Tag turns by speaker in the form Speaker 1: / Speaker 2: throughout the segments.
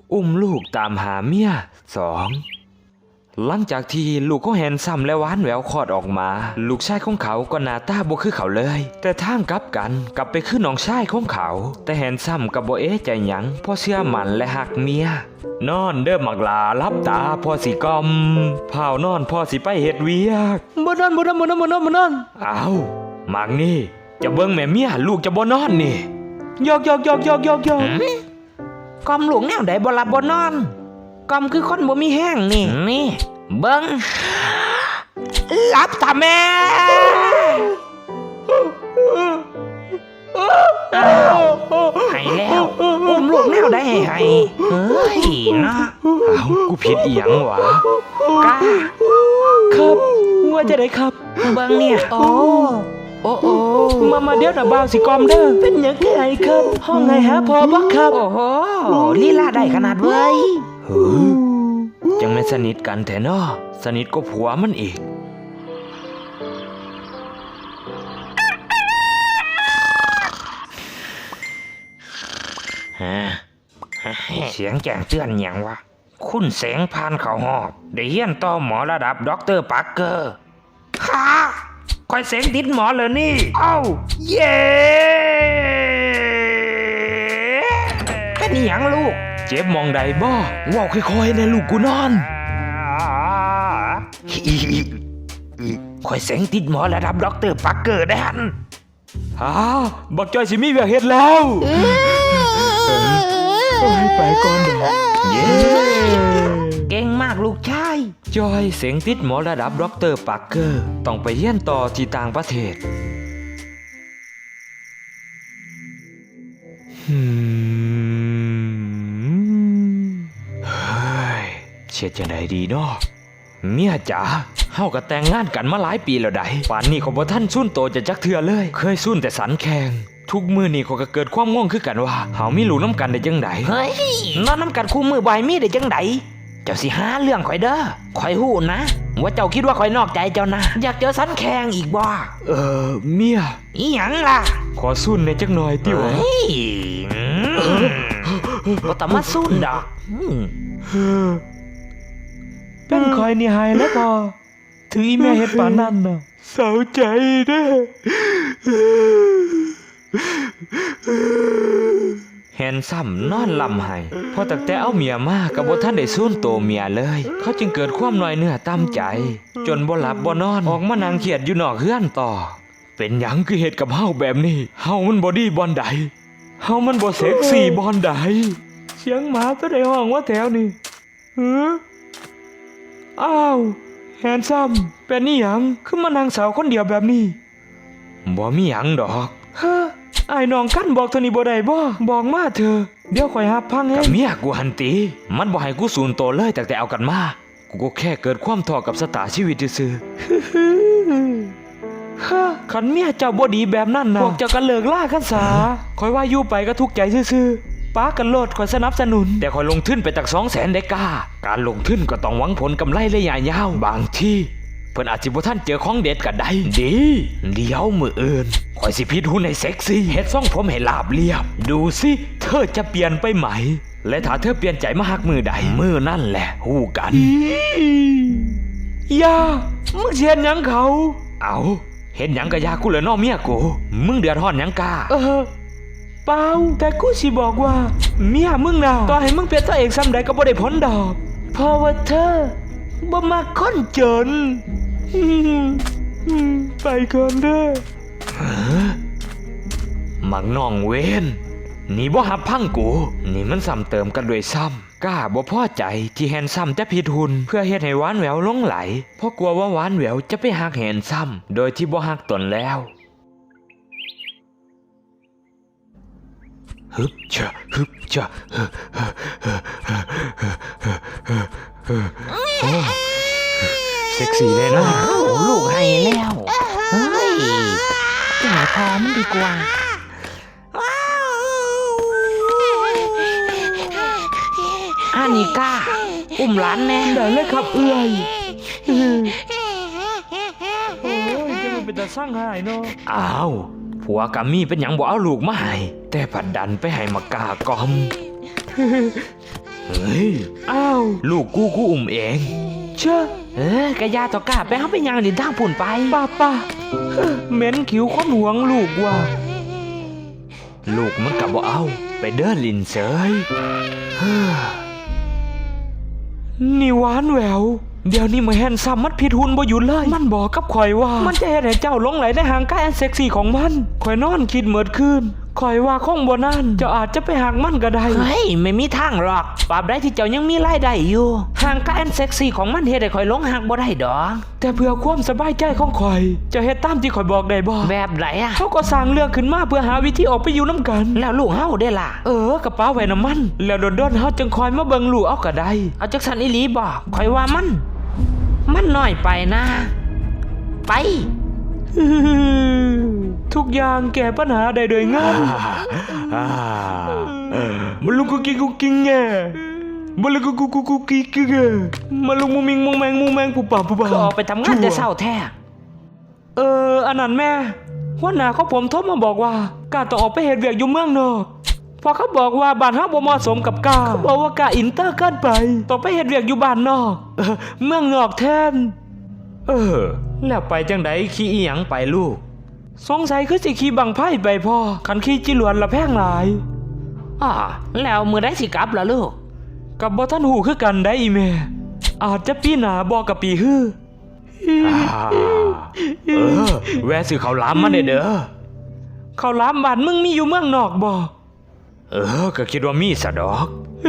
Speaker 1: อุ้มลูกตามหาเมีย2หลังจากที่ลูกของแฮนซัมและหวานแหววคลอดออกมาลูกชายของเขาก็หน้าตาบ่คือเขาเลยแต่ทางกลับกันกลับไปคือน้องชายของเขาแต่แฮนซัมก็บ่เอ๊ะใจหยังเพราะเชื่อมั่นและหักเมียนอนเด้อมักลาลับตาพ่อสิกอมเผานอนพ่อสิไปเฮ็ดเวียกบ่นอนอ้าวมักนี่จะเบิ่งแม่เมียลูกจะบ่นอนนี่ยอก
Speaker 2: กอมหลวงแนวใดบ่หลับบ่นอนกอมคือคนบ่มีแห้งนี่เบิ่งหลับตาแม่ให้แล้วอุ้มลูกแนวใดให้เฮ้ยเนาะ
Speaker 1: อ้าวกูผิดอีหยังวะ
Speaker 2: กา
Speaker 1: ครับว่าจะได้ครับ
Speaker 2: เบิ่งเนี่ยโอ้
Speaker 1: มาเดี๋ยวน่ะบ่าวสิกอมเด้อเป็นหยังไงครับห้องไงหาพอบ่ครับ
Speaker 2: โอ้โหลีลาได้ขนาดเว้ย
Speaker 1: จังแม่นสนิทกันแท้เนาะสนิทก็ผัวมันอีก
Speaker 2: เสียงแจ้งเตือนหยังวะคุณแสงพานเขาหอบได้เฮียนต่อหมอระดับด็อกเตอร์ปักเกอร์ฮ่าคอยเสียงติดหมอเลยนี่เอ้าเย้เป็นหยังลูก
Speaker 1: เจ็บมองใดบ่ว้าวค่อยๆนะลูกกูนอน
Speaker 2: คอยเสียงติดหมอระดับด็อกเตอร์ปักเกอร์ดัน
Speaker 1: บักจอยสิมีเวียกเฮ็ดแล้วไปก่อนเด้อเย้
Speaker 2: เก่งมากลูกชาย
Speaker 1: จอยเสียงติดหมอระดับด็อกเตอร์ปักเกอร์ต้องไปเรียนต่อที่ต่างประเทศเช็ดจังไดดีเนาะเมียจ๋าเฮาก็แต่งงานกันมาหลายปีแล้วได้ป่านนี้เขาบ่ทันสู้โตจะจักเทื่อเลยเคยสู้แต่สันแข่งทุกมื้อนี้เขาก็เกิดความง่วงคือกันว่าเฮามีลูกน้ำกันได้จังได
Speaker 2: เฮ้ยนอนน้ำกันคู่มือบ่อยมีได้จังไดเจ้าสิหาเรื่องข่อยเด้อข่อยฮู้นะว่าเจ้าคิดว่าข่อยนอกใจเจ้านะอยากเจอสันแข่งอีกบ่
Speaker 1: เมีย
Speaker 2: อีหยังล่ะ
Speaker 1: ขอสู้ในจักหน่อยติวะ
Speaker 2: บ่ต้องมาสู้ดอก
Speaker 1: เป็นคอยนี่หายแล้วพอถืออีแม่เฮ็ดปานนั้นน่ะเศร้าใจเด้อแฮนซัมนอนลำไห้พอตั้งแต่เอาเมียมาก็บ่ทันได้สูญโตเมียเลยเขาจึงเกิดความน้อยเนื้อต่ำใจจนบ่หลับบ่นอนออกมานั่งเครียดอยู่นอกเฮือนต่อเป็นหยังคือเฮ็ดกับเฮาแบบนี้เฮามันบ่ดีบ่อนใดเฮามันบ่เซ็กซี่บ่อนใดเสียงหมาตัวใดห้องว่าแถวนี่อ้าวแฮนซัมเป็นนี่หยังคือมานั่งสาวคนเดียวแบบนี้บ่มีหยังดอกไอ้น้องกันบอกเท่านี้บ่ได้บ่บอกมาเถอะเดี๋ยวข่อยหับพังเองกับเมียกูหันตีมันบ่ให้กูสูญโตเลยแต่เอากันมากูก็แค่เกิดความท้อกับสตาชีวิตซื่อคันเมียเจ้าบ่ดีแบบนั้นนะพวกเจ้าก็เลิกล่ากันซะข่อยว่าอยู่ไปก็ทุกข์ใจซื่อป้ากันโลดข่อยสนับสนุนแต่ข่อยลงทุนไปตัก200,000ได้ก้าการลงทุนก็ต้องหวังผลกำไรระยะยาวบางทีเพิ่นอาจสิบ่ทันเจอของเด็ดก็ได้ดีเดี๋ยวมื้ออื่นข่อยสิพิดหุ่นให้เซ็กซี่เฮ็ดทรงผมให้ราบเรียบดูสิเธอจะเปลี่ยนไปไหมและถ้าเธอเปลี่ยนใจมาฮักมือใดมือนั่นแหละฮู้กันอย่ามึงเฮ็ดหยังเขาเอาเฮ็ดหยังก็ยากูเลยน้อเมียกูมึงเดือดร้อนหยังกาเปล่าแต่กูสิบอกว่าเมียมึงน่ะต่อให้มึงเป็นตัวเอกซ้ำใดก็บ่ได้ผลดอกเพราะว่าเธอบ่มาคนจนไปก่อนเด้อมักน้องเวนนี่บ่หับพังกูนี่มันซ้ำเติมกันด้วยซ้ำกล้าบ่พอใจที่แฮนซัมจะผิดหุ่นเพื่อเฮ็ดให้หวานแหววหลงไหลเพราะกลัวว่าหวานแหววจะไปหักแฮนซัมโดยที่บ่หักตนแล้วฮึบจะเซ็กซี่เลยนะ
Speaker 2: ลูกให้แล้วเฮ้ยจะหาพอมันดีกว่าอานิก้าอุ้มหลานแน่
Speaker 1: ได้เลยครับเอื้อยโอ้ยจะมันเป็นตาสร้างหายเนาะอ้าวผัวกับมี่เป็นหยังบ่เอาลูกมาให้แต่ผัดดันไปให้มากากอมเฮ้ยอ้าวลูกกูอุ้มเองเชื่อก
Speaker 2: ะยาต่อกาไปเฮาไปย่างดินทางพุ่นไป
Speaker 1: ป้าเหม็นขิวคนหวงลูกว่ะลูกมันกลับบ่เอาไปเดินลินเสยนี่หวานแหววเดี๋ยวนี้มาแฮนซัมมันผิดหุ่นบ่หยุดเลยมันบอกกับข่อยว่ามันจะเฮ็ดให้เจ้าหลงไหลในหางกายอันเซ็กซี่ของมันข่อยนอนคิดเมิดคืนข่อยว่าคงบ่นานเจ้าอาจจะไปหักมันก็ได้
Speaker 2: เฮ้ยไม่มีทางหรอกปราบใดที่เจ้ายังมีรายได้อยู่ห่างกายอันเซ็กซี่ของมันเฮ็ดให้ข่อยหลงหักบ่ได้ดอก
Speaker 1: แต่เพื่อความสบายใจของข่อยเจะเฮ็ดตามที่ข่อยบอกได้บ่
Speaker 2: แบบไหนอะ
Speaker 1: เขาก็สร้างเรื่องขึ้นมาเพื่อหาวิธีออกไปอยู่น้ำกัน
Speaker 2: แล้วลูกเฮาได้ล่ะ
Speaker 1: กระเป๋าไว้น้ำมันแล้วโดนๆเฮาจึงคอยมาเบิ่งลูกเอาก็ได้
Speaker 2: เอาจักสันอีหลีบอกข่อยว่ามันน้อยไปนะ ไป
Speaker 1: ทุกอย่างแก้ปัญหาได้โดยง่ายมันลุกกุกกิ้งแง่มันลุกกุกกิ้งแง่มันลุกมุงแมงปูป่า
Speaker 2: ก็ออกไปทำงานแต่เช้าแท้
Speaker 1: อันนั้นแม่หัวหน้าของผมโทรมาบอกว่ากาต้องออกไปเฮ็ดเวียกอยู่เมืองนอกพอเขาบอกว่าบ้านเฮาบ่เหมาะสมกับกาเขาบอกว่ากาอินเตอร์เกินไปต้องไปเฮ็ดเวียกอยู่บ้านนอกเมืองนอกแทนแล้วไปจังไดขี่อีหยังไปลูกสงสัยคือสิขี่บังไพ่ไปพ่อคันขี่จิหลวนละแพงหลาย
Speaker 2: แล้วมือได้สิกลับล่ะลูก
Speaker 1: กับบ่ทันหูคือกันได้อีแม่อาจจะปีหน้าบ่กับปีฮื้อแวะซื้อข้าวหลามมาเด้อข้าวหลามบ้านมึงมีอยู่เมืองนอกบ่ก็คิดว่ามีซะดอก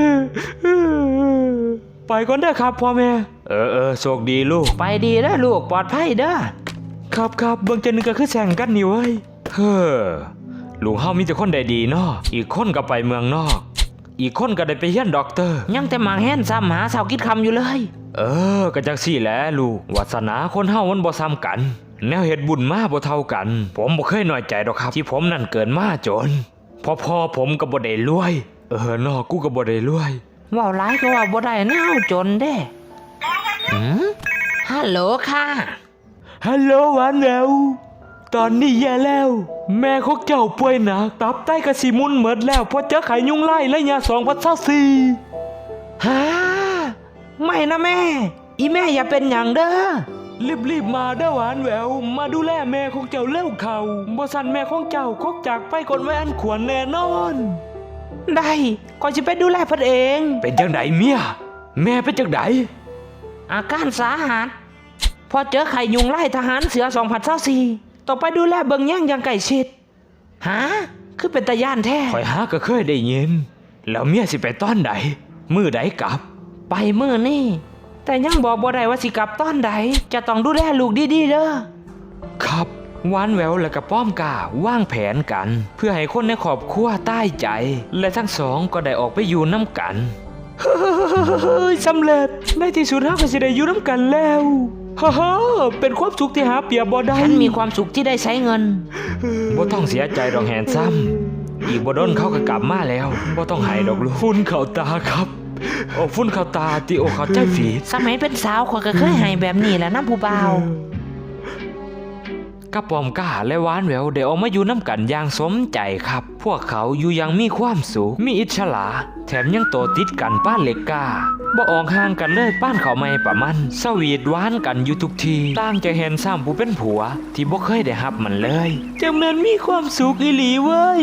Speaker 1: ไปก่อนเด้อครับพ่อแม่โชคดีลูก
Speaker 2: ไปดีเด้อลูกปลอดภัยเด้อ
Speaker 1: ครับเบิ่งจังนึงก็คือแข่งกันนี่เว้ยลูกเฮามีแต่คนได้ดีเนาะอีกคนก็ไปเมืองนอกอีกคนก็ได้ไปเรียนด็อกเตอร์
Speaker 2: ยังแต่หมากแห่นซ้ำหาเสากิดคำอยู่เลย
Speaker 1: ก็จังซี่แหละลูกวาสนาคนเฮามันบ่ซ้ำกันแนวเฮ็ดบุญมาบ่เท่ากันผมบ่เคยน้อยใจดอกครับที่ผมนั่นเกิดมาจนพ่อผมก็บ่ได้รวยนอกกูก็บ่ได้รวย
Speaker 2: ว่าหลายก็ว่าบ่ได้แนวจนเด้ฮัลโหลค่ะ
Speaker 1: ฮัลโหลหวานแหววตอนนี้แย่แล้วแม่ของเจ้าป่วยหนักตับไตกระสิมุนหมดแล้วเพราะเจอไข้ยุงลายและยา2024
Speaker 2: ฮะไม่นะแม่อีแม่อย่าเป็นอย่างเด้อ
Speaker 1: รีบมาเด้อหวานแหววมาดูแลแม่ของเจ้าเร็วเขาบ่สั่นแม่ของเจ้าคกจากไปก่อนไว้อันควรแน่นอน
Speaker 2: ได้ก่อนสิไปดูแลเพิ่นเอง
Speaker 1: เป็นจังไดเมียแม่เป็นจังได
Speaker 2: อาการสาหัสพอเจอไข่ยุงไล่ทหารเสือ2024ต้องไปดูแลเบิ่งแย่งอย่างใกล้ชิดฮะคือเป็นตาย่านแท้
Speaker 1: ข่อยหาก็เคยได้ยินแล้วเมียสิไปตอนใดมื้อใดกลับ
Speaker 2: ไปมื้อนี้แต่ยังบอกบ่ได้ว่าสิกลับตอนใดจะต้องดูแลลูกดีๆเด้อ
Speaker 1: ครับหวานแหววและกับป้อมกาวางแผนกันเพื่อให้คนในครอบครัวใต้ใจและทั้งสองก็ได้ออกไปอยู่น้ำกันสำเร็จในที่สุดเราก็สิได้อยู่น้ำกันแล้วเป็นความสุขที่หาเปรียบบ่ได้
Speaker 2: ฉันมีความสุขที่ได้ใช้เงิน
Speaker 1: บ่ต้องเสียใจดอกแหนซ้ำอีกบ่โดนเขาก็กลับมาแล้วบ่ต้องให้ดอกลูกฝุ่นเข้าตาครับฝุ่นเข้าตาติโอเข้าใจฝี
Speaker 2: สมัยเป็นสาวข้อยก็เคยให้แบบนี้แหละนะผู้บ่าว
Speaker 1: กระป๋อมก้าและหวานแหววได้ออกมาอยู่น้ำกันอย่างสมใจครับพวกเขาอยู่อย่างมีความสุขมีอิจฉาแถมยังโตติดกันป้านเล็กกาบ่ออกห่างกันเลยป้านเขาไม่ประมันสวีทหวานกันอยู่ทุกทีต่างจะเห็นซ้ำผู้เป็นผัวที่บ่เคยได้รับมันเลยจังแม่นมีความสุขอีหลีเว้ย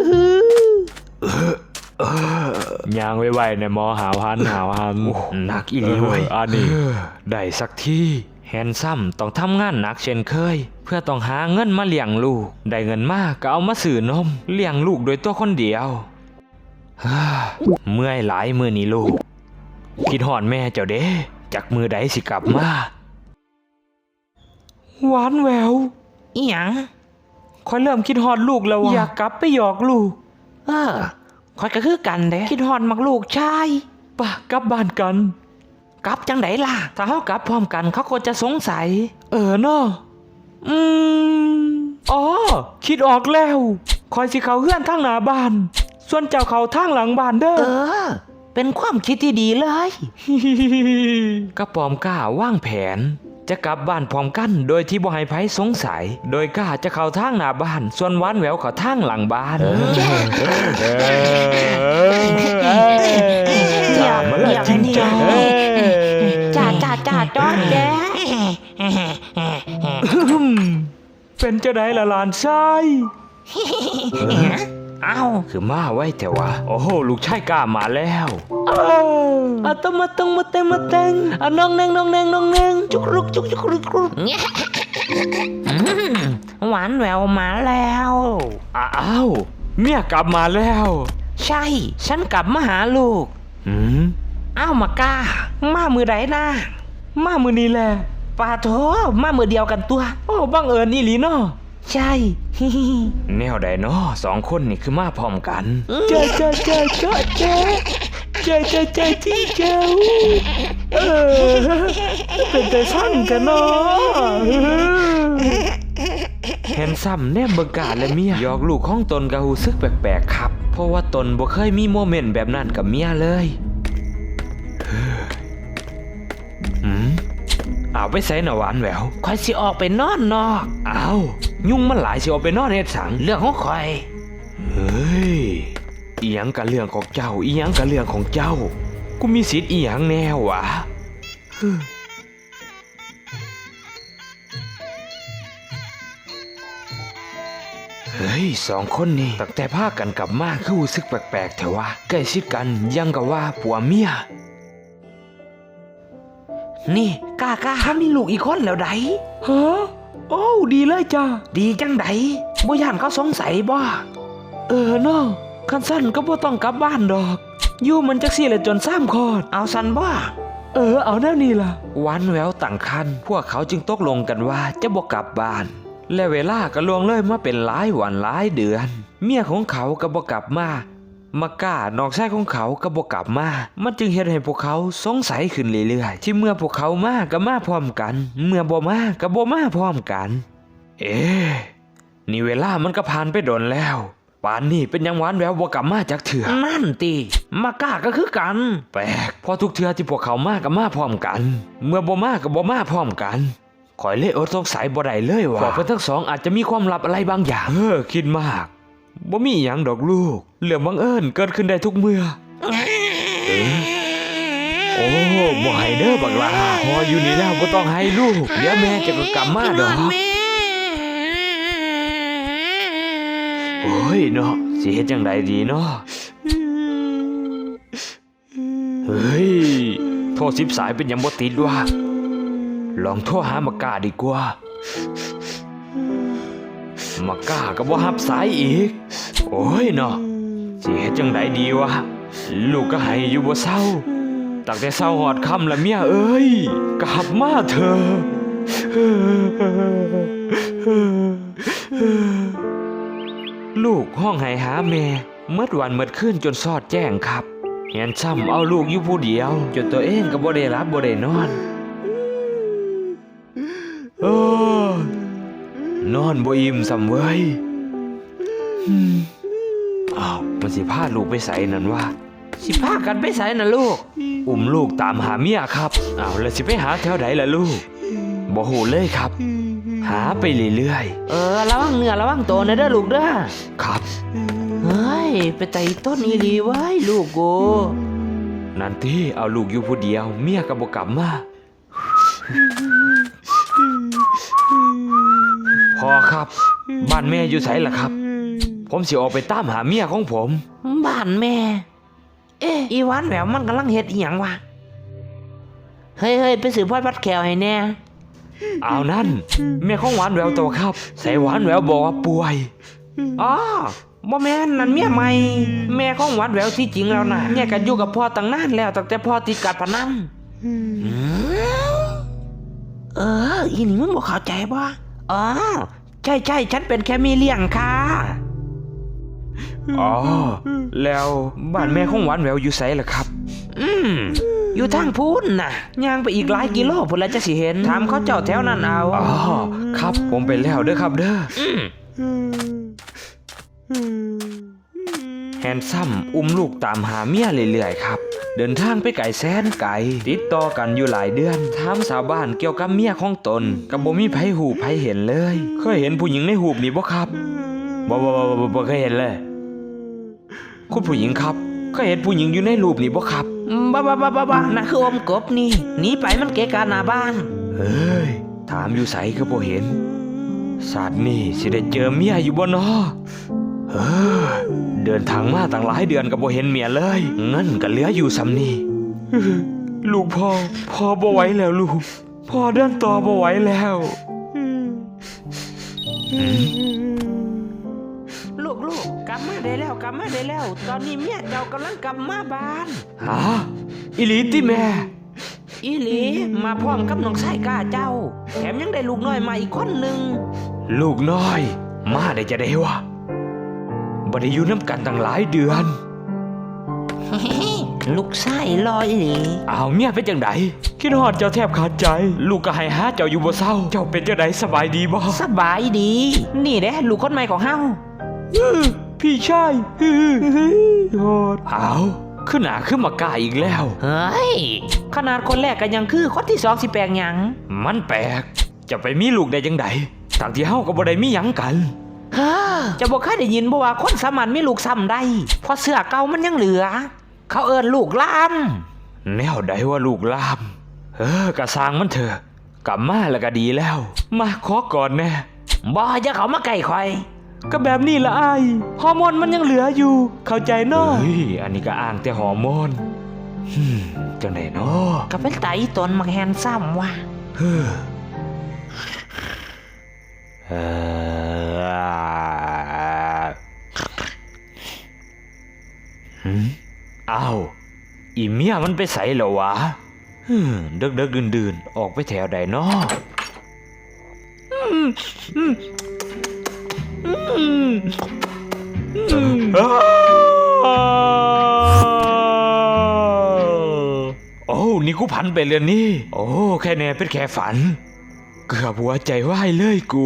Speaker 1: ย่างไว้ในมอหาวหันหนักอีหลีเว้ยอันนี้ได้สักทีแฮนซัมต้องทำงานหนักเช่นเคยเพื่อต้องหาเงินมาเลี้ยงลูกได้เงินมากก็เอามาซื้อนมเลี้ยงลูกโดยตัวคนเดียวเมื่อยหลายมื้อนี้ลูกคิดฮอดแม่เจ้าเด้จักมื้อใดสิกลับมาหวานแหวว
Speaker 2: อีหยัง
Speaker 1: ค่อยเริ่มคิดฮอดลูกแล้วว่ะอยากกลับไปหยอกลูก
Speaker 2: ค่อยก็คือกันเด้คิดฮอดมักลูกชาย
Speaker 1: ป่ะกลับบ้านกัน
Speaker 2: กลับจังไดล่ะถ้าเฮากลับพร้อมกันเขาก็จะสงสัย
Speaker 1: เนาะคิดออกแล้วคอยสิเขาเฮือนทางหน้าบ้านส่วนเจ้าเขาทางหลังบ้านเด้อ
Speaker 2: เป็นความคิดที่ดีเลย
Speaker 1: กระป๋อมก้าวางแผนจะกลับบ้านพร้อมกันโดยที่บ่ให้ไผสงสัยโดยก้าจะเข้าทางหน้าบ้านส่วนหวานแหววเข้าทางหลังบ้าน
Speaker 2: อยาก
Speaker 1: จ้า
Speaker 3: จ่าจ้อนแก
Speaker 1: เป็นจะได้ละหลานชาย
Speaker 2: เอ้า
Speaker 1: คือมาไว้แต่ว่าโอ้โหลูกชายกล้ามาแล้วอะต้องมาเต็งอะน้องแนงจุกรุกจุกรุก
Speaker 3: หวานแหววมาแล้ว
Speaker 1: อ้าวเมียกลับมาแล้ว
Speaker 3: ใช่ ฉันกลับมาหาลูก
Speaker 1: หืม
Speaker 3: อ้าวมากล้า มามือไหนนะ
Speaker 1: มามือนี้แหละ
Speaker 3: ปาโถมามือเดียวกันตัว
Speaker 1: โอ้บังเอิญอีหลีเนาะ
Speaker 3: ใช่
Speaker 1: แนวใดเนาะสองคนนี่คือมาพร้อมกันเจ้าที่เจ้าเป็นแต่ช่างกันเนาะเห็นซ้ำแนมเบิงกาและเมียหยอกลูกของตนกะหูซึกแปลกๆครับ เพราะว่าตนบ่เคยมีโมเมนต์แบบนั้นกับเมียเลยเอาไปใส่หน่ะหวานแหวว
Speaker 3: คอยสิออกไปนอนนอก
Speaker 1: เอายุ่งมันหลายสิเอาไปนอนเฮ็ดสัง
Speaker 3: เรื่องของคอย
Speaker 1: เฮ้ยอีหยังกับเรื่องของเจ้าอีหยังกับเรื่องของเจ้า กูมีสิทธิ์อีหยังแน่วะเฮ้ยสองคนนี่ตั้งแต่พากันกลับมาคือรู้สึกแปลกๆแต่ว่าใกล้ชิดกันยังกับว่าผัวเมีย
Speaker 3: นี่กล้าถ้ามีลูกอีกคนแล้วได
Speaker 1: ฮะโอ้ดีเลยจ้า
Speaker 3: ดีจังไดบ่ย่านเขาสงสัยบ่
Speaker 1: เนาะคันสั้นก็บ่ต้องกลับบ้านดอกอยู่มันจักซี่แหละจน3 คอด
Speaker 3: เอาสันบ่
Speaker 1: เอาแน่นี่ล่ะวันแววตั้งคันพวกเขาจึงตกลงกันว่าจะบ่กลับบ้าน และเวลาก็ล่วงเลยมาเป็นหลายวันหลายเดือน เมียของเขาก็บ่กลับมาก้าน้องชายของเขาก็บ่กลับมามันจึงเฮ็ดให้พวกเขาสงสัยขึ้นเรื่อยๆที่เมื่อพวกเขามาก็มาพร้อมกัน เมื่อบ่มาก็บ่มาพร้อมกัน นี่เวลามันก็ผ่านไปโดนแล้วป่านนี้เป็นยังหวานแววบ่กลับมาจากเถื่อ
Speaker 3: นั่นติมากล้าก็คือกัน
Speaker 1: แปลกพอทุกเทื่อที่พวกเขามาก็มาพร้อมกัน เมื่อบ่มาก็บ่มาพร้อมกันข่อยเลยอดสงสัยบ่ได้เลยว่าพวกเพิ่นทั้งสองอาจจะมีความลับอะไรบางอย่างคิดมากบ่มีหยังดอกลูกเรื่องบังเอิญเกิดขึ้นได้ทุกเมื่อโอ้บ่ให้เด้อบักหลาพออยู่นี่แล้วบ่ต้องให้ลูกเดี๋ยวแม่จะก็กลับมาดอกโอ้ยเนาะสิเฮ็ดจังไดดีเนาะเฮ้ยโทร10 สายเป็นหยังบ่ติดวะลองโทรหามากาดีกว่ามากาก็บ่รับสายอีกโอ้ยเนาะสิเฮ็ดจังไดดีวะลูกก็ให้อยู่บ่เศร้าตั้งแต่เช้าฮอดค่ำละเมียเอ้ยกลับมาเถอะลูกห้องไห้หาแม่เมื่อวันเมื่อคืนจนสอดแจ้งครับเห็นซ้ำเอาลูกอยู่ผู้เดียวจนตัวเองก็บ่ได้รับบ่ได้นอนนอนบ่อิ่มซ้ำเว้ยอ้าวมันสิพาลูกไปใส่นั่นวะ
Speaker 3: สิพากันไปไสน่ะลูก
Speaker 1: อุ้มลูกตามหาเมียครับอ้าวแล้วสิไปหาแถวไหนล่ะลูกบ่ฮู้เลยครับ หาไปเรื่อย
Speaker 3: ระวังเนื้อระวังตัวนะเด้อลูกเด้อ
Speaker 1: ๆครับ
Speaker 3: เฮ้ยไปไต่ต้นอีหลีไว้ลูกกู
Speaker 1: นั่นที่เอาลูกอยู่ผู้เดียวเมียก็บ่กลับมาพ่อครับบ้านแม่อยู่ไสล่ะครับ ผมสิออกไปตามหาเมียของผม
Speaker 3: บ้านแม่ อีหวานแหววมันกำลังเฮ็ดอีหยังวะเฮ้ยไปสืบพอดวัดแขวให้แน่
Speaker 1: เอานั่นแม่ของหวานแววโตครับใส่หวานแววบอกว่าป่วย
Speaker 3: อ๋อบ่แม่นนั่นเมียใหม่แม่ของหวานแหววที่จริงแล้วนะแยกกันอยู่กับพ่อตั้งนานแล้วตั้งแต่พ่อติดการพนันอีนี่มึงบ่เข้าใจบ่อ๋อใช่ฉันเป็นแค่มีเลี้ยงค่ะ
Speaker 1: อ๋อแล้วบ้านแม่ของหวานแววอยู่ไสล่ะครับ
Speaker 3: อยู่ทางพูนน่ะย่างไปอีกหลายกิโลพุ่นแล้วจะสิเห็นถามเขาเจ้าแถวนั้นเอา
Speaker 1: อ๋อครับผมไปแล้วเด้อครับเด้อแฮนซัมอุ้มลูกตามหาเมียเรื่อยๆครับเดินทางไปไกลแสนไกลติดต่อกันอยู่หลายเดือนถามชาวบ้านเกี่ยวกับเมียของตนก็บ่มีไผหูไผเห็นเลยเคยเห็นผู้หญิงในหูปนี่บ่ครับบ่เคยเห็นเลยคุณผู้หญิงครับก็เห็นผู้หญิงอยู่ในรูปนี่บ่ครับ
Speaker 3: บ้านะคืออมกบนี่หนีไปมันเกะกะหน้าบ้าน
Speaker 1: เฮ้ย ถามอยู่ไสก็บ่เห็นศาสตร์นี่สิได้เจอเมียอยู่บ่เนาะเฮ้ยเดินทางมาตั้งหลายเดือนก็บ่เห็นเมียเลยเงินก็เหลืออยู่ซ้ำนี่ลูกพ่อบ่ไหวแล้วลูกพ่อเดินต่อบ่ไหวแล้ว
Speaker 3: ลูกกลับมาได้แล้วกลับมาได้แล้ว ตอนนี้เมียเจ้ากำลังกลับมาบ้าน
Speaker 1: ฮะอีหลีติแม่
Speaker 3: อีหลีมาพร้อมกับน้องชายก้าเจ้า แถมยังได้ลูกน้อยมาอีกคนหนึ่ง
Speaker 1: ลูกน้อย มาได้จะได้วะบ่ได้อยู่น้ำกันตั้งหลายเดือน
Speaker 3: ลูกชายรออีหลี
Speaker 1: อ้าวเมียเป็นจังไดคิดฮอดเจ้าแทบขาดใจ ลูกก็ให้หาเจ้าอยู่บ่เศร้า เจ้าเป็นจังไดสบายดีบ่
Speaker 3: สบายดี นี่เด้ลูกคนใหม่ของเฮา
Speaker 1: พี่ชายฮอดอ้าวขึ้นหน้าขึ้นมากล้าอีกแล้ว
Speaker 3: เฮ้ยขนาดคนแรกก็ยังคือคนที่สองสิแปลงหยัง
Speaker 1: มันแปลกจะไปมีลูกได้จังไดทั้งที่เฮาก็บ่ได้มีหยังกัน
Speaker 3: เฮ้อจะบอกเคยได้ยินบ่ว่าคนสามัญมีลูกซ้ำได้เพราะเสื้อเก่ามันยังเหลือ เขาเอิ้นลูกลาม
Speaker 1: แนวใดว่าลูกลามกะสร้างมันเถอะกลับมาแล้วก็ดีแล้ว มาขอก่อนแน่
Speaker 3: บ่อย่าเขามาใกล้ข่อย
Speaker 1: ก็แบบนี้ละอ้ายฮอร์โมนมันยังเหลืออยู่ เข้าใจเนาะเฮ้ยอันนี้ก็อ้างแต่ฮอร์โมนจังไดเนาะ
Speaker 3: ก็เป็นไตตนมักแฮนซ้ำว่ะ
Speaker 1: เฮ้ออ้าวอีเมียมันไปใส่เหรอวะเดึกดื่นออกไปแถวใดเนาะโอ้นี่กูพันไปเลยนี่ โอ้แค่แน่เป็นแค่ฝัน เกือบหัวใจวายเลยกู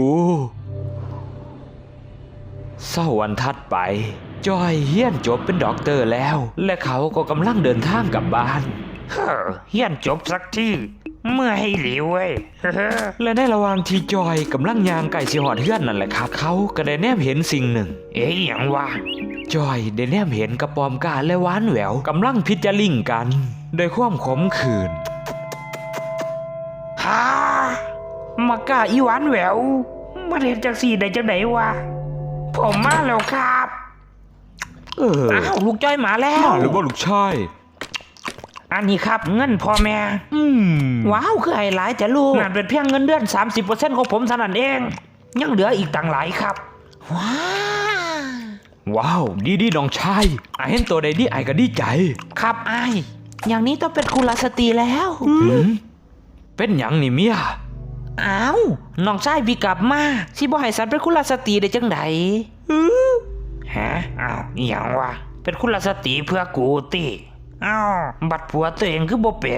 Speaker 1: เศร้าวันถัดไปจอยเฮียนจบเป็นด็อกเตอร์แล้ว และเขาก็กำลังเดินทางกลับบ้าน
Speaker 2: เฮียนจบสักทีเมื่อให้หลิวเว้ย
Speaker 1: และในระหว่างที่จอยกำลังยางไก่สิหอดเฮือนนั่นแหละครับ เขาก็ได้แนมเห็นสิ่งหนึ่ง
Speaker 2: เอ๊ยหยังวะ
Speaker 1: จอยได้แนมเห็นกระปอมกาและหวานแหววกำลังพิจาริ่งกันโดยความขมขื่น
Speaker 2: ฮ่ามากล้าอีหวานแหววมาเรียนจากสี่ได้จังไหนวะผมมาแล้วครับ
Speaker 3: อ้าวลูกจ้อยมาแล้ว
Speaker 1: หรือว่าลูกชาย
Speaker 2: อันนี้ครับเงินพ่อแม่
Speaker 3: ว้าวคือไอ้หลายจ้ะลูก
Speaker 2: นั่นเป็นเพียงเงินเดือน 30%ของผมเท่านั้นเอง ยังเหลืออีกต่างหลายครับ
Speaker 3: ว้า
Speaker 1: ว้าวดีน้องชายไอเห็นตัวใดดีไอก็ดีใจ
Speaker 3: ครับไอ้ายอย่างนี้ต้องเป็นกุลสตรีแล้ว
Speaker 1: เป็นหยังนี่เมีย
Speaker 3: อ้าวน้องชายพี่กลับมาสิบ่ให้สันเป็นกุลสตรีได้จังได
Speaker 2: ฮะอ้าวอหย่างวะเป็นคุณลสตรีเพื่อกูติอ้าวบัดผัวตัวเองคือบ่เป็น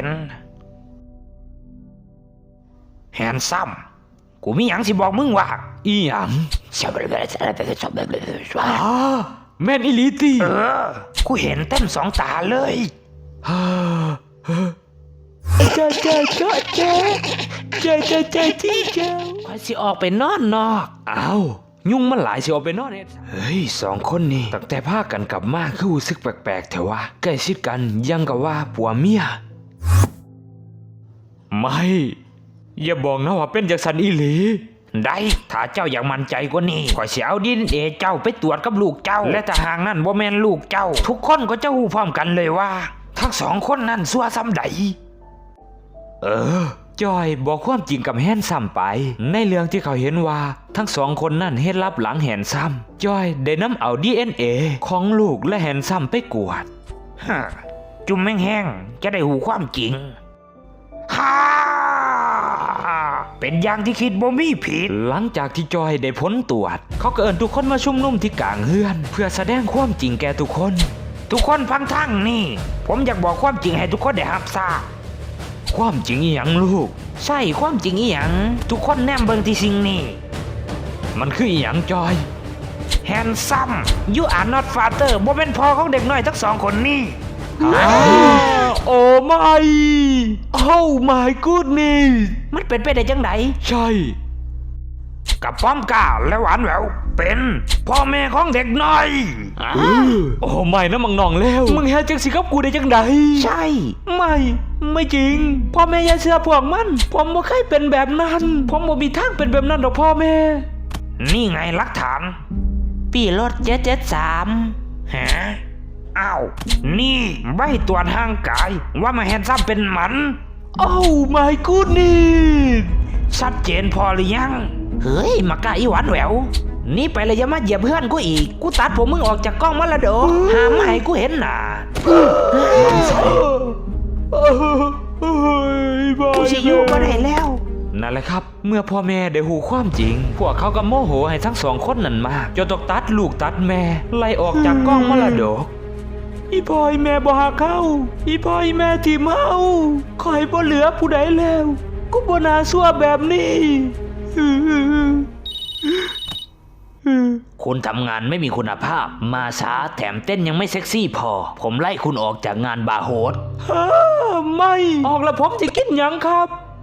Speaker 2: แฮนซัมกูมีหยังสิบอกมึงว่า
Speaker 1: อีหยัง
Speaker 2: ชอบเลยชอบเลยชอบ
Speaker 1: อ้าแม่นอีหลีตี
Speaker 2: กูเห็นเต็มสองตาเลย
Speaker 1: เจ้าที่เจ้า
Speaker 3: ข่อยสิออกไปนอนนอก
Speaker 1: อ้าวยุ่งมันหลายสิเอาไปนอนเฮ็ดเฮ้ยสองคนนี่ตั้งแต่พากันกลับมาคือรู้สึกแปลกๆเถอะวะใกล้ชิดกันยังกับว่าผัวเมียไม่อย่าบอกนะว่าเป็นจากสันอีหลี
Speaker 2: ได้ถ้าเจ้าอยากมั่นใจกว่านี้ขอยสิเอาดินเอเจ้าไปตรวจกับลูกเจ้า และถ้าหากนั่นบ่แม่นลูกเจ้า ทุกคนก็จะฮู้พร้อมกันเลยว่า ทั้งสองคนนั่นซัวซ้ำใด
Speaker 1: จอยบอกความจริงกับแฮนซัมไป ในเรื่องที่เขาเห็นว่าทั้งสองคนนั่นเฮ็ดลับหลังแฮนซัมจอยได้นำเอา DNA ของลูกและแฮนซัมไปกวด
Speaker 2: ฮะจุ่มแห้งๆจะได้หูความจริงฮ่าเป็นอย่างที่คิดบ่มีผิด
Speaker 1: หลังจากที่จอยได้พ้นตรวจเขาก็เอิ้นทุกคนมาชุมนุมที่กลางเฮือน เพื่อแสดงความจริงแก่ทุกคน
Speaker 2: ทุกคนฟังทั้งนี่ ผมอยากบอกความจริงให้ทุกคนได้รับทราบ
Speaker 1: ความจริงอหยังลูก
Speaker 3: ใช่ความจริงอีหยัง
Speaker 2: ทุกคนแนมเบิ่งที่สิ่งนี้
Speaker 1: มันคืออหยังจอย
Speaker 2: แฮนซัมยูอาร์นอตฟาเตอร์บ่เป็นพ่อของเด็กน้อยทั้งสองคนนี้
Speaker 1: โอ้ไม่โอ้ my goodness
Speaker 3: มันเป็นไปได้จังได
Speaker 1: ใช่
Speaker 2: กับป้อมก้าและหวานแหววเป็นพ่อแม่ของเด็กน้อย
Speaker 1: โอ้ไม่นะมังนองแล้วมึงเฮ็ดจังสิกับกูได้จังใด
Speaker 3: ใช่
Speaker 1: ไม่จริงพ่อแม่อย่าเชื่อพวกมันผมบ่เคยเป็นแบบนั้นผมบ่มีทางเป็นแบบนั้นดอกพ่อแม่
Speaker 2: นี่ไงหลักฐาน
Speaker 3: ปีรถ773
Speaker 2: ฮะอ้าวนี่ใบตรวจทางกายว่ามาแฮนซัมเป็นหมัน
Speaker 1: โอ้ my goodness
Speaker 2: ชัดเจนพอหรือยัง
Speaker 3: เฮ้ยมากะอีหวานแหววนี่ไปเลยอย่ามาเหยียบเพื่อนกูอีกกูตัดผมมึงออกจากกล้องมาละโดห้ามไม่ให้กูเห็นหน้ากูสิอยู่บ่ได้แล้ว
Speaker 1: นั่นแหละครับ เมื่อพ่อแม่ได้หูความจริง พวกเขาก็โมโหให้ทั้งสองคนนั่นมากจนต้องตัดลูกตัดแม่ ไล่ออกจากกล้องมรดกอีพ่อยแม่บ่หักเขาอีพ่อยแม่ทิ่มเฮาคอยบ่เหลือผู้ใดแล้ว กูบ่น่าซั่วแบบนี้
Speaker 3: คุณทำงานไม่มีคุณภาพ มาช้าแถมเต้นยังไม่เซ็กซี่พอ ผมไล่คุณออกจากงานบาร์โฮส
Speaker 1: ไม่ออกแล้วผมจะกินหยังครับ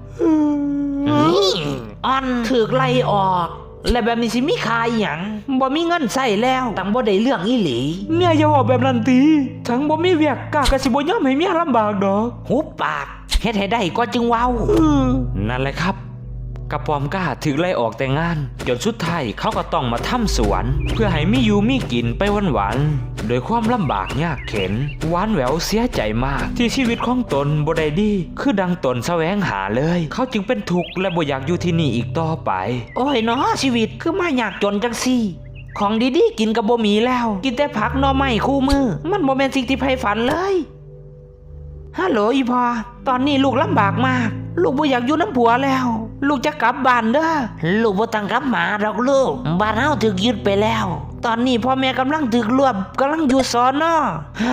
Speaker 3: อ่อนถือไล่ออก และแบบนี้สิมีคายหยังบ่มีเงินใส่แล้วตั้งบ่ได้เรื่องอีหลี
Speaker 1: เนี่ยอย่าบอกแบบนั้นตีทั้งบ่มีเวียกกากะสิบ่ยอมให้เมียลำบากดอก
Speaker 3: หุบปากเฮ็ดให้ได้ก็จึงเว้า
Speaker 1: นั่นแหละครับกระปอมกล้าถึงไล่ออกแต่งงานจนสุดท้ายเขาก็ต้องมาทำสวน เพื่อให้มีอยู่มีกินไปวันๆโดยความลำบากยากเข็นหวานแหววเสียใจมาก ที่ชีวิตของตนบ่ได้ดี คือดังตนแสวงหาเลย เขาจึงเป็นทุกข์และบ่อยากอยู่ที่นี่อีกต่อไป
Speaker 3: โอ้ยเนาะชีวิตคือมายากจนจังซี่ ของดีๆกินก็บ่มีแล้ว กินแต่ผักหน่อไม้คู่มือ มันบ่แม่นสิ่งที่ใฝ่ฝันเลยฮัลโหลอีพอตอนนี้ลูกลำบากมาก ลูกบ่อยากอยู่น้ำผัวแล้ว ลูกจะกลับบ้านเด้อลูกบ่ต้องกลับมาดอกลูกบ้านเฮาถูกยึดไปแล้ว ตอนนี้พ่อแม่กำลังถูกรวบกำลังอยู่สอนอ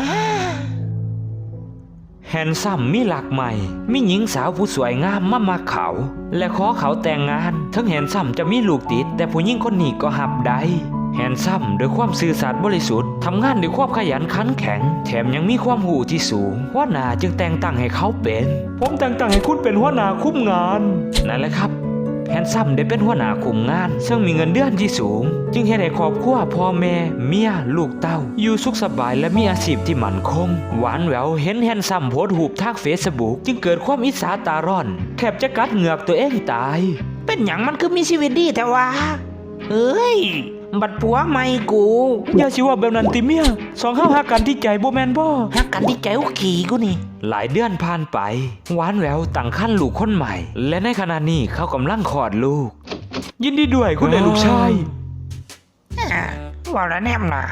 Speaker 1: แฮนซัมมีหลักใหม่ มีหญิงสาวผู้สวยงามมาเขา และขอเขาแต่งงาน ทั้งแฮนซัมจะมีลูกติด แต่ผู้หญิงคนนี้ก็หับได้แฮนซัมด้วยความซื่อสัตย์บริสุทธิ์ทำงานด้วยความขยันขันแข็ง แถมยังมีความหูที่สูงหัวหน้าจึงแต่งตั้งให้เขาเป็น ผมแต่งตั้งให้คุณเป็นหัวหน้าคุมงาน นั่นแหละครับ แฮนซัมได้เป็นหัวหน้าคุมงาน ซึ่งมีเงินเดือนที่สูง จึงเฮ็ดให้ครอบครัวพ่อแม่เมียลูกเต้า อยู่สุขสบายและมีอาชีพที่มั่นคง หวานแหววเห็นแฮนซัมโพสต์รูปทางเฟซบุ๊กจึงเกิดความอิจฉาตาร้อนแทบจะกัดเหงือกตัวเองตาย
Speaker 3: เป็นหยังมันคือมีชีวิตดีแต่ว่าเอ้ยบัดผัวใหม่กู
Speaker 1: อย่าสิว่าแบบนั้นติเมียสองเฮาหักกันที่ใจบ่แม่นบ่
Speaker 3: ฮักกันที่ใจอุกขี่กูนี่
Speaker 1: หลายเดือนผ่านไป หวานแหววตั้งครรภ์ลูกคนใหม่ และในขณะนี้เขากำลังคลอดลูก ยินดีด้วยคุณได้ลูกชาย
Speaker 2: ว่าแล้วแนมหนา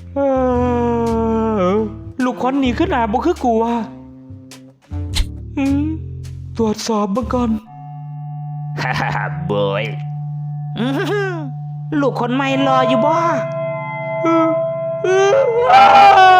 Speaker 1: ลูกคนนี้ขึ้นหน้าบ่คือกูว่ะตรวจสอบเบิ่งก่อน
Speaker 2: ฮ่าฮ่าบอย
Speaker 3: อื้อหือลูกคนใหม่รออยู่บ่
Speaker 1: อ้า